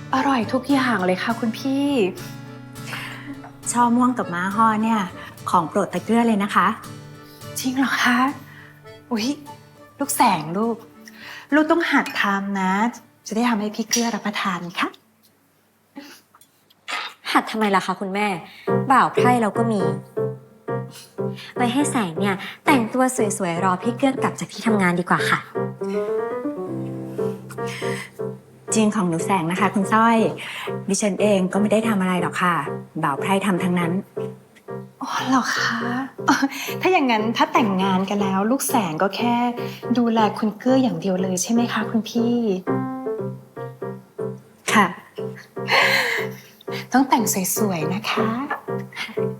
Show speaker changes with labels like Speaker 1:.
Speaker 1: อร่อยทุกอย่างเลยค่ะคุณพี่
Speaker 2: ช่อม่วงกับม้าฮ้อเนี่ยของโปรดตะเกื้อเลยนะคะ
Speaker 1: จริงเหรอคะอุ๊ยลูกแสงลูกต้องหัดทำนะ จะได้ทำให้พี่เกลือรับประทานค่ะ
Speaker 3: หัดทำไมล่ะคะคุณแม่ บ่าวไพร่เราก็มี ไว้ให้แสงเนี่ยแต่งตัวสวยๆรอพี่เกื้อกลับจากที่ทำงานดีกว่าค่ะ
Speaker 2: จริงของหนูแสงนะคะคุณสร้อยดิฉันเองก็ไม่ได้ทำอะไรหรอกค่ะบ่าวไพร่ทำทั้งนั้น
Speaker 1: อ๋อเหรอคะถ้าอย่างนั้นถ้าแต่งงานกันแล้ว ลูกแสงก็แค่ดูแลคุณเกื้ออย่างเดียวเลยใช่ไหมคะคุณพี่
Speaker 2: ค่ะ
Speaker 1: ต้องแต่งสวยๆนะคะ